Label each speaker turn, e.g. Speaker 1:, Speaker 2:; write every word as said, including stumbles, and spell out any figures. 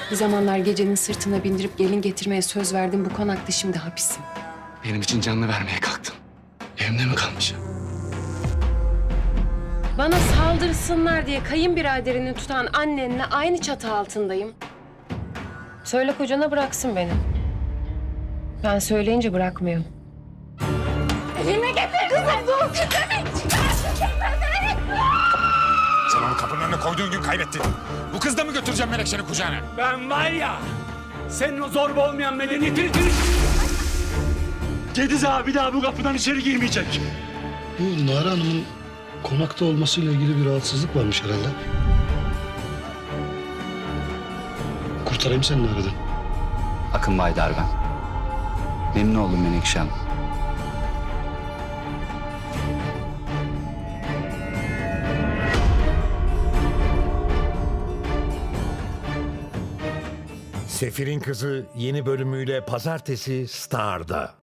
Speaker 1: Bir zamanlar gecenin sırtına bindirip gelin getirmeye söz verdim. Bu konakta şimdi hapisim.
Speaker 2: Benim için canını vermeye kalktın. Evimde mi kalmış?
Speaker 1: Bana saldırsınlar diye kayınbiraderini tutan annenle aynı çatı altındayım. Söyle kocana bıraksın beni. Ben söyleyince bırakmıyor.
Speaker 3: Elime getir kızım. Dur.
Speaker 4: Sen onu kapının önüne koyduğun gün kaybettin. Bu kız da mı götüreceğim Menekşe'nin kucağına?
Speaker 5: Ben var ya, senin o zorba olmayan medeniyetini... Gediz abi bir daha bu kapıdan içeri girmeyecek.
Speaker 6: Bu Nare Hanım'ın konakta olmasıyla ilgili bir rahatsızlık varmış herhalde. Kurtarayım seni Nare'den.
Speaker 7: Akın Baydar ben. Memnun oldum Menekşe Hanım.
Speaker 4: Sefir'in Kızı yeni bölümüyle pazartesi Star'da.